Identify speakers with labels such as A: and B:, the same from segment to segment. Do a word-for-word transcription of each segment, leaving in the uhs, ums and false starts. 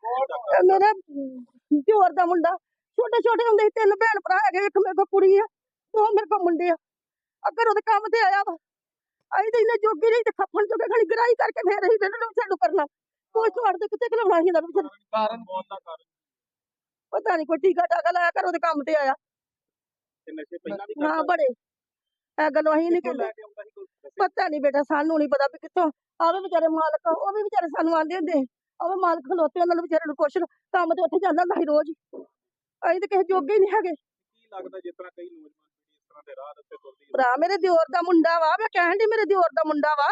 A: ਇਹ ਮੇਰਾ ਦਿਓਰ ਦਾ ਮੁੰਡਾ ਛੋਟੇ ਛੋਟੇ ਹੁੰਦੇ ਸੀ, ਤਿੰਨ ਭੈਣ ਭਰਾ ਹੈਗੇ, ਇੱਕ ਮੇਰੇ ਕੋਲ ਕੁੜੀ ਆ, ਦੋ ਮੇਰੇ ਕੋਲ ਮੁੰਡੇ ਆ। ਅਗਰ ਉਹਦੇ ਕੰਮ ਤੇ ਆਇਆ ਵਾ, ਅਸੀਂ ਤਾਂ ਇਹਨੇ ਜੋਗੀ ਨਹੀਂ ਤੇ ਖੱਫਣ ਜੋਗੇ ਖਾਲੀ ਗਰਾਈ ਕਰਕੇ ਫੇਰ ਅਸੀਂ ਇਹਨਾਂ ਨੂੰ ਕਰਨਾ ਕੋਈ ਛੋੜ ਦੇ ਕਿਤੇ ਖਲਾਉਣਾ ਸੀ ਇਹਨਾਂ ਨੂੰ।
B: ਕਾਰਨ ਬਹੁਤ ਦਾ ਕਾਰਨ
A: ਪਤਾ ਨਹੀਂ ਕੋਈ ਟੀਕਾ ਟਾਕਾ ਲਾਇਆ ਕਰ ਉਹਦੇ ਕੰਮ ਤੇ ਆਇਆ।
B: ਤੇ ਨਸ਼ੇ ਪਹਿਲਾਂ ਵੀ
A: ਹਾਂ ਬੜੇ ਇਹ ਗੱਲੋਂ ਅਸੀਂ ਨਹੀਂ ਕਹਿੰਦੇ, ਪਤਾ ਨਹੀਂ ਬੇਟਾ, ਸਾਨੂੰ ਨਹੀਂ ਪਤਾ ਵੀ ਕਿੱਥੋਂ ਆਵੇ ਵਿਚਾਰੇ ਮਾਲਕ, ਉਹ ਵੀ ਵਿਚਾਰੇ ਸਾਨੂੰ ਆਂਦੇ ਹੁੰਦੇ ਆਵੇ ਮਾਲਕ ਖਲੋਤੇ, ਉਹਨਾਂ ਨੂੰ ਵਿਚਾਰੇ ਨੂੰ ਕੁਛ ਕੰਮ ਤੇ ਉੱਥੇ ਜਾਂਦਾ ਹੁੰਦਾ ਸੀ ਰੋਜ਼, ਅਸੀਂ ਤਾਂ ਕਿਸੇ ਜੋਗੇ ਹੀ ਨਹੀਂ ਹੈਗੇ।
B: ਕੀ ਲੱਗਦਾ ਜਿਸ ਤਰ੍ਹਾਂ ਕਈ ਨੌਜਵਾਨ ਪੀੜ੍ਹੀ ਇਸ ਤਰ੍ਹਾਂ ਦੇ ਰਾਹ ਉੱਤੇ ਤੁਰਦੀ ਹੈ?
A: ਭਰਾ ਮੇਰੇ ਦਿਓਰ ਦਾ ਮੁੰਡਾ ਵਾ, ਮੈਂ ਕਹਿਣ ਦੀ ਮੇਰੇ ਦਿਓਰ ਦਾ ਮੁੰਡਾ ਵਾ।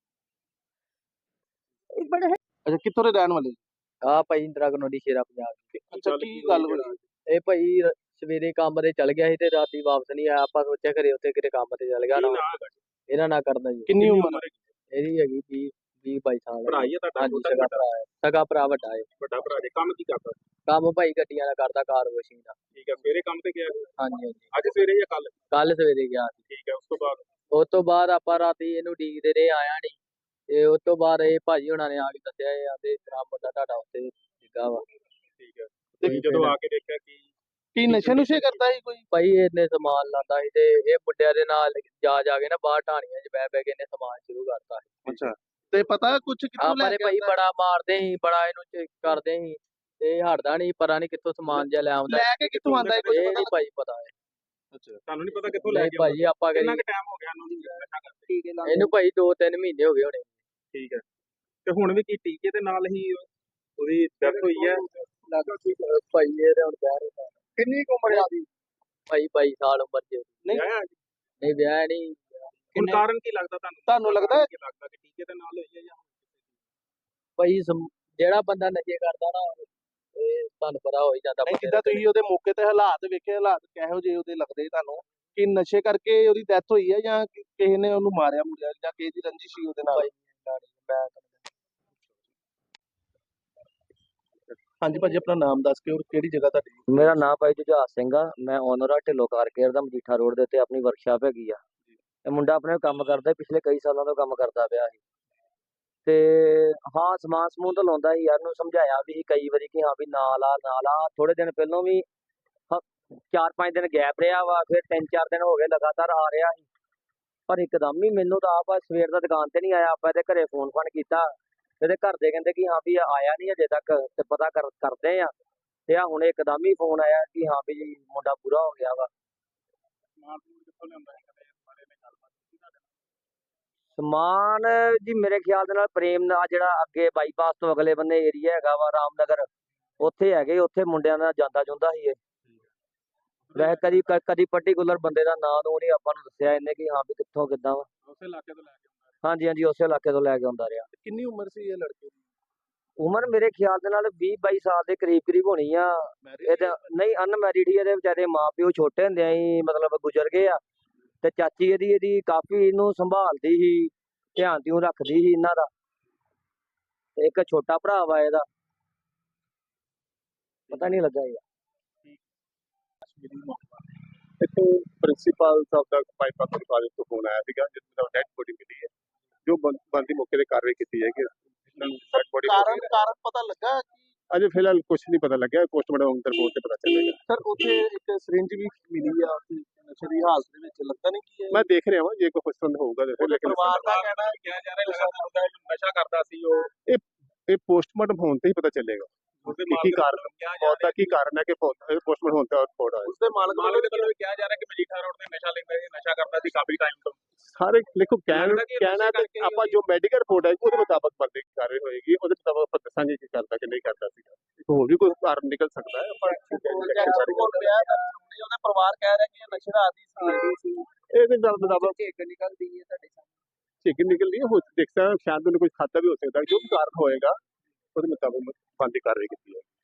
A: ਇਹ ਬੜੇ
C: ਅੱਛਾ, ਕਿੱਥੋਂ ਦੇ ਰਹਿਣ ਵਾਲੇ?
D: ਆ ਭਾਈ ਇੰਦਰਾ ਕਲੋਨੀ ਸ਼ੇਰਾ ਪੰਜਾਬ ਦੀ।
C: ਅੱਛਾ, ਕੀ ਗੱਲ ਹੋਈ?
D: ਇਹ ਭਾਈ ਰ- ਸਵੇਰੇ ਕੰਮ ਤੇ ਚਲ ਗਿਆ ਸੀ ਤੇ ਰਾਤੀ ਵਾਪਸ ਨਹੀਂ ਆਇਆ। ਆਪਾਂ ਸੋਚਿਆ ਘਰੇ ਉੱਥੇ ਕਿਤੇ ਕੰਮ ਤੇ ਚਲ ਗਿਆ ਨਾ, ਇਹਨਾਂ ਨਾਲ ਕਰਦਾ ਜੀ।
C: ਕਿੰਨੀ ਉਮਰ ਹੈ?
D: ਇਹਦੀ ਹੈਗੀ ਵੀਹ ਵੀਹ ਬਾਈ ਸਾਲ।
B: ਭਰਾ ਹੀ ਹੈ ਤੁਹਾਡਾ?
D: ਹਾਂਜੀ, ਸਗਾ ਭਰਾ ਹੈ, ਸਗਾ ਭਰਾ ਵੱਡਾ ਹੈ।
B: ਵੱਡਾ ਭਰਾ ਜੇ ਕੰਮ ਕੀ ਕਰਦਾ?
D: ਕੰਮ ਭਾਈ ਗੱਡੀਆਂ ਦਾ ਕਰਦਾ, ਕਾਰ ਵਾਸ਼ਿੰਗ ਦਾ।
B: ਠੀਕ ਹੈ, ਸਵੇਰੇ ਕੰਮ ਤੇ ਗਿਆ?
D: ਹਾਂਜੀ ਹਾਂਜੀ,
B: ਅੱਜ ਸਵੇਰੇ ਜਾਂ ਕੱਲ?
D: ਕੱਲ ਸਵੇਰੇ ਗਿਆ ਸੀ।
B: ਠੀਕ ਹੈ, ਉਸ ਤੋਂ ਬਾਅਦ
D: ਉਸ ਤੋਂ ਬਾਅਦ ਆਪਾਂ ਰਾਤੀ ਇਹਨੂੰ ਡੀਕਦੇ ਰਹੇ, ਆਇਆ ਨਹੀਂ। ਤੇ ਉਸ ਤੋਂ ਬਾਅਦ ਇਹ ਭਾਜੀ ਹੁਣਾਂ ਨੇ ਆ ਕੇ ਦੱਸਿਆ ਇਹ ਆਂਦੇ ਤੇਰਾ ਮੁੰਡਾ ਤੁਹਾਡਾ ਉੱਥੇ ਡਿੱਗਾ ਵਾ।
B: ਠੀਕ ਹੈ, ਤੇ ਜਦੋਂ ਆ ਕੇ ਦੇਖਿਆ ਕਿ
C: ਕੀ ਨਸ਼ੇ ਨੁਸ਼ੇ ਕਰਦਾ ਸੀ ਕੋਈ?
D: ਭਾਈ ਇਹਨੇ ਸਮਾਨ ਲਾਤਾ ਸੀ ਤੇ ਇਹ ਮੁੰਡਿਆਂ ਦੇ ਨਾਲ ਜਾ ਜਾ ਕੇ ਨਾ ਬਾਹਰ ਢਾਣੀਆਂ 'ਚ ਬਹਿ ਬਹਿ ਕੇ ਇਹਨੇ ਸਮਾਨ ਸ਼ੁਰੂ ਕਰਤਾ ਸੀ।
C: ਅੱਛਾ, ਤੇ ਪਤਾ ਕੁਝ ਕਿੱਥੋਂ
D: ਆਪਾਂ
C: ਲੈ
D: ਨੇ
C: ਕੇ
D: ਭਾਈ
C: ਆਉਂਦਾ?
D: ਬੜਾ ਮਾਰਦੇ ਸੀ, ਬੜਾ ਇਹਨੂੰ ਚੈੱਕ ਕਰਦੇ ਸੀ ਤੇ ਹਟਦਾ ਨਹੀਂ, ਪਤਾ ਨਹੀਂ ਕਿੱਥੋਂ ਸਮਾਨ ਜਿਹਾ ਲੈ ਆਉਂਦਾ।
C: ਲੈ ਕੇ ਕਿੱਥੋਂ ਆਂਦਾ ਹੈ ਕੁਝ
D: ਇਹ
C: ਪਤਾ?
D: ਨਹੀਂ ਭਾਈ ਪਤਾ ਹੈ।
C: ਅੱਛਾ,
B: ਤੁਹਾਨੂੰ ਨਹੀਂ ਪਤਾ ਕਿੱਥੋਂ ਲੈ
D: ਨਹੀਂ
B: ਕੇ
D: ਭਾਈ ਆਪਾਂ
B: ਕਿੰਨਾ
D: ਕਰੀ
B: ਕੁ ਟਾਈਮ ਹੋ ਗਿਆ ਇਹਨੂੰ ਨਸ਼ਾ ਕਰਦੇ?
D: ਇਹਨੂੰ ਭਾਈ ਦੋ ਤਿੰਨ ਮਹੀਨੇ ਹੋ ਗਏ ਹੋਣੇ।
B: ਠੀਕ ਹੈ, ਤੇ ਹੁਣ ਵੀ ਕੀ ਟੀਕੇ ਦੇ ਨਾਲ ਹੀ ਉਹਦੀ ਡੈਥ ਹੋਈ ਹੈ?
D: ਭਾਈ ਇਹ ਤੇ ਹੁਣ ਵਿਆਹ ਨਹੀਂ,
C: ਕਿੰਨੀ ਕੁ ਉਮਰ ਆ ਦੀ?
D: ਭਾਈ ਬਾਈ ਸਾਲ ਉਮਰ ਚ।
C: ਨਹੀਂ
B: ਵਿਆਹਿਆ ਜੀ?
D: ਨਹੀਂ ਵਿਆਹ ਨਹੀਂ।
B: ਹੁਣ ਕਾਰਨ ਕੀ ਲੱਗਦਾ ਤੁਹਾਨੂੰ?
C: ਤੁਹਾਨੂੰ ਲੱਗਦਾ ਹੈ?
B: ਕੀ ਲੱਗਦਾ ਕਿ ਟੀਕੇ ਦੇ ਨਾਲ ਹੋਈ ਹੈ ਜਾਂ
D: ਭਾਈ ਸਮ- ਜਿਹੜਾ ਬੰਦਾ ਨਸ਼ੇ ਕਰਦਾ ਨਾ ਇਹ ਤੁਹਾਨੂੰ ਪਤਾ ਹੋ ਹੀ ਜਾਂਦਾ
C: ਨਹੀਂ,
D: ਬੰਦੇ
C: ਜਿੱਦਾਂ
D: ਦਾ।
C: ਤੁਸੀਂ ਉਹਦੇ ਮੌਕੇ ਤੇ ਹਾਲਾਤ ਵੇਖੇ, ਹਾਲਾਤ ਕਿਹੋ ਜਿਹੇ ਉਹਦੇ ਲੱਗਦੇ ਤੁਹਾਨੂੰ? ਕਿ ਨਸ਼ੇ ਕਰਕੇ ਉਹਦੀ ਡੈਥ ਹੋਈ ਹੈ ਜਾਂ ਕਿ- ਕਿਸੇ ਨੇ ਉਹਨੂੰ ਮਾਰਿਆ ਮੁਰਿਆ ਜਾਂ ਕਿਸੇ ਦੀ ਰੰਜਿਸ਼ ਸੀ ਉਹਦੇ ਨਾਲ?
D: ਭਾਈ ਮੈਂ
C: ਹਾਂਜੀ ਭਾਜੀ, ਆਪਣਾ ਨਾਮ ਦੱਸ ਕੇ ਔਰ ਕਿਹੜੀ ਜਗ੍ਹਾ ਤੁਹਾਡੀ?
D: ਮੇਰਾ ਨਾਮ ਭਾਈ ਜੁਝਾਰ ਸਿੰਘ ਆ। ਮੈਂ ਓਨਰ ਆ ਢਿੱਲੋਂ ਕਾਰ ਕੇਅਰ ਦਾ, ਮਜੀਠਾ ਰੋਡ ਦੇ ਉੱਤੇ ਆਪਣੀ ਵਰਕਸ਼ਾਪ ਹੈਗੀ ਆ। ਇਹ ਮੁੰਡਾ ਆਪਣੇ ਕੰਮ ਕਰਦਾ, ਪਿਛਲੇ ਕਈ ਸਾਲਾਂ ਤੋਂ ਕੰਮ ਕਰਦਾ ਪਿਆ ਸੀ ਤੇ ਹਾਂ ਸਮਾਨ ਸਮੂਨ ਤਾਂ ਲਾਉਂਦਾ ਸੀ। ਯਾਰ ਨੂੰ ਸਮਝਾਇਆ ਵੀ ਸੀ ਕਈ ਵਾਰੀ ਕਿ ਹਾਂ ਵੀ ਨਾ ਲਾ ਨਾ ਲਾ। ਥੋੜੇ ਦਿਨ ਪਹਿਲਾਂ ਵੀ ਹ- ਚਾਰ ਪੰਜ ਦਿਨ ਗੈਪ ਰਿਹਾ ਵਾ, ਫਿਰ ਤਿੰਨ ਚਾਰ ਦਿਨ ਹੋ ਗਏ ਲਗਾਤਾਰ ਆ ਰਿਹਾ ਸੀ। ਪਰ ਇੱਕਦਮ ਹੀ ਮੈਨੂੰ ਤਾਂ ਆਪ ਸਵੇਰ ਦਾ ਦੁਕਾਨ ਤੇ ਨਹੀਂ ਆਇਆ। ਆਪਾਂ ਇਹਦੇ ਘਰੇ ਫੋਨ ਫਾਨ ਕੀਤਾ, ਇਹਦੇ ਘਰ ਦੇ ਕਹਿੰਦੇ ਕਿ ਹਾਂ ਵੀ ਆਇਆ ਨਹੀਂ ਅਜੇ ਤੱਕ, ਤੇ ਪਤਾ ਕਰ ਕਰਦੇ ਆ। ਤੇ ਆ ਹੁਣ ਇੱਕਦਮ ਹੀ ਫੋਨ ਆਇਆ ਕਿ ਹਾਂ ਵੀ ਮੁੰਡਾ ਪੂਰਾ ਹੋ ਗਿਆ ਵਾ।
B: ਸਮਾਨ ਸਮੂਨ ਕਿੱਥੋਂ ਲਿਆਉਂਦਾ ਹੈ? ਕਦੇ ਇਸ ਬਾਰੇ ਵਿੱਚ ਗੱਲਬਾਤ ਕੀਤੀ ਤੁਹਾਡੇ ਨਾਲ?
D: ਸਮਾਨ ਜੀ ਮੇਰੇ ਖਿਆਲ ਦੇ ਨਾਲ ਪ੍ਰੇਮ ਨਾਲ ਜਿਹੜਾ ਅੱਗੇ ਬਾਈਪਾਸ ਤੋਂ ਅਗਲੇ ਬੰਨੇ ਏਰੀਆ ਹੈਗਾ ਵਾ ਰਾਮਨਗਰ, ਉੱਥੇ ਹੈਗੇ, ਉੱਥੇ ਮੁੰਡਿਆਂ ਨਾਲ ਜਾਂਦਾ ਜੁੰਦਾ ਸੀ ਇਹ। ਵੈਸੇ ਕਦੀ ਕ- ਕਦੀ ਪਰਟੀਕੂਲਰ ਬੰਦੇ ਦਾ ਨਾਂ ਨੂੰ ਨਹੀਂ ਆਪਾਂ ਨੂੰ ਦੱਸਿਆ ਇਹਨੇ ਕਿ ਹਾਂ ਵੀ ਕਿੱਥੋਂ ਕਿੱਦਾਂ ਵਾ।
B: ਉਸੇ ਇਲਾਕੇ ਤੋਂ ਲੈ ਕੇ ਆਉਂਦਾ ਹੈ?
D: ਹਾਂਜੀ ਹਾਂਜੀ, ਉਸੇ ਇਲਾਕੇ ਤੋਂ ਲੈ ਕੇ ਆਉਂਦਾ ਰਿਹਾ।
C: ਕਿੰਨੀ ਉਮਰ ਸੀ ਇਹ ਲੜਕੇ ਦੀ?
D: ਉਮਰ ਮੇਰੇ ਖਿਆਲ ਦੇ ਨਾਲ ਵੀਹ ਬਾਈ ਸਾਲ ਦੇ ਕਰੀਬ ਕਰੀਬ ਹੋਣੀ ਆ। ਇਹ ਤਾਂ ਨਹੀਂ ਅਨਮੈਰਿਡ ਹੀ, ਇਹਦੇ ਵਿਚਾਰੇ ਮਾਂ ਪਿਓ ਛੋਟੇ ਹੁੰਦਿਆਂ ਹੀ ਮਤਲਬ ਗੁਜ਼ਰ ਗਏ ਆ। ਤੇ ਚਾਚੀ ਇਹਦੀ ਇਹਦੀ ਕਾਫੀ ਇਹਨੂੰ ਸੰਭਾਲਦੀ ਸੀ, ਧਿਆਨ ਤਿਉਂ ਰੱਖਦੀ ਸੀ ਇਹਨਾਂ ਦਾ। ਤੇ ਇੱਕ ਛੋਟਾ ਭਰਾ ਵਾ ਇਹਦਾ, ਪਤਾ ਨਹੀਂ ਲੱਗਾ ਯਾਰ।
E: ਇੱਥੋਂ ਪ੍ਰਿੰਸੀਪਲ ਸਾਹਿਬ ਦਾ ਪਾਈਪਾ ਤੋਂ ਕਾਲਜ ਤੋਂ ਫੋਨ ਆਇਆ ਸੀਗਾ ਜਿਸ ਦਾ ਡੈਡ ਬੋਡੀ ਮਿਲੀ ਹੈ, ਜੋ ਬੰਦੀ ਮੌਕੇ ਤੇ ਕਾਰਵਾਈ ਕੀਤੀ ਜਾਏਗੀ। ਡੈਡ ਬੋਡੀ
C: ਕਾਰਨ ਕਾਰਨ ਪਤਾ ਲੱਗਾ ਕਿ
E: ਅਜੇ ਫਿਲਹਾਲ ਕੁਝ ਨਹੀਂ ਪਤਾ ਲੱਗਿਆ, ਪੋਸਟਮਾਰਟਮ ਰਿਪੋਰਟ ਤੇ ਪਤਾ ਚੱਲੇਗਾ।
C: ਸਰ ਉੱਥੇ ਇੱਕ ਸਿਰਿੰਜ ਵੀ ਮਿਲੀ ਆ ਉੱਥੇ ਨਸ਼ੇ ਦੀ ਹਾਲਤ ਦੇ ਵਿੱਚ, ਲੱਗਦਾ ਨਹੀਂ ਕਿ ਇਹ-
E: ਮੈਂ ਦੇਖ ਰਿਹਾ ਹਾਂ ਜੇ ਕੋਈ ਪਸੰਦ ਹੋਊਗਾ ਦੇਖੋ, ਲੇਕਿਨ
C: ਪਰਿਵਾਰ ਦਾ ਕਹਿਣਾ ਹੈ
B: ਕਿਹਾ ਜਾ ਰਿਹਾ ਲਗਾਤਾਰ ਉਹਦਾ ਨਸ਼ਾ ਕਰਦਾ ਸੀ ਉਹ।
E: ਇਹ ਪੋਸਟਮਾਰਟਮ ਹੋਣ ਤੇ ਹੀ ਪਤਾ ਚੱਲੇਗਾ
B: ਉਸਦੇ
E: ਕੀ ਕੀ ਕਾਰਨ ਮੌਤ ਦਾ ਕੀ ਕਾਰਨ ਹੈ ਕਿ ਪੋਸਟਮਾਰਟਮ ਹੋਣ ਤੇ ਰਿਪੋਰਟ ਆਏ।
C: ਉਸਦੇ ਮਾਲਕ
B: ਮਾਲਕ ਦੇ ਵੱਲੋਂ ਵੀ ਕਿਹਾ ਜਾ ਰਿਹਾ ਕਿ ਮਜੀਠਾ ਰੋਡ ਤੇ ਨਸ਼ਾ ਲੈਂਦਾ ਸੀ, ਨਸ਼ਾ ਕਰਦਾ ਸੀ ਕਾਫੀ ਟਾਈਮ ਤੋਂ।
E: ਸਾਰੇ ਦੇਖੋ ਕਹਿਣ
B: ਲੱਗਦਾ ਕਿ
E: ਕਹਿਣਾ
B: ਨਸ਼ੇ
E: ਤੇ
B: ਕਰਕੇ
E: ਆਪਾਂ ਜੋ ਮੈਡੀਕਲ ਰਿਪੋਰਟ ਹੈ ਉਹਦੇ ਮੁਤਾਬਕ ਬੰਦੇ ਦੀ ਕਾਰਵਾਈ ਹੋਏਗੀ, ਉਹਦੇ ਮੁਤਾਬਕ ਆਪਾਂ ਦੱਸਾਂਗੇ ਕੀ ਕਰਦਾ ਕਿ ਨਹੀਂ ਕਰਦਾ ਸੀਗਾ। ਹੋਰ ਵੀ ਕੋਈ ਕਾਰਨ ਨਿਕਲ ਸਕਦਾ ਹੈ ਪਰ
C: ਉਹਦਾ ਪਰਿਵਾਰ ਕਹਿ ਰਿਹਾ ਕਿ ਇਹ ਨਸ਼ੇ ਦਾ ਆਦੀ ਸੀ।
E: ਇਹਦੇ ਨਾਲ ਮੁਤਾਬਕ
D: ਝੇਕ ਨਿਕਲਦੀ ਹੈ ਤੁਹਾਡੇ
E: ਚਿਕਨ ਨਿਕਲਦੀ ਹੈ, ਹੋ ਦੇਖਦਾ ਸ਼ਾਇਦ ਉਹਨੇ ਕੁਝ ਖਾਤਾ ਵੀ ਹੋ ਸਕਦਾ, ਜੋ ਵੀ ਕਾਰਨ ਹੋਏਗਾ ਉਹਦੇ ਮੁਤਾਬਕ ਬੰਦੀ ਕਾਰਵਾਈ ਕੀਤੀ ਹੈ।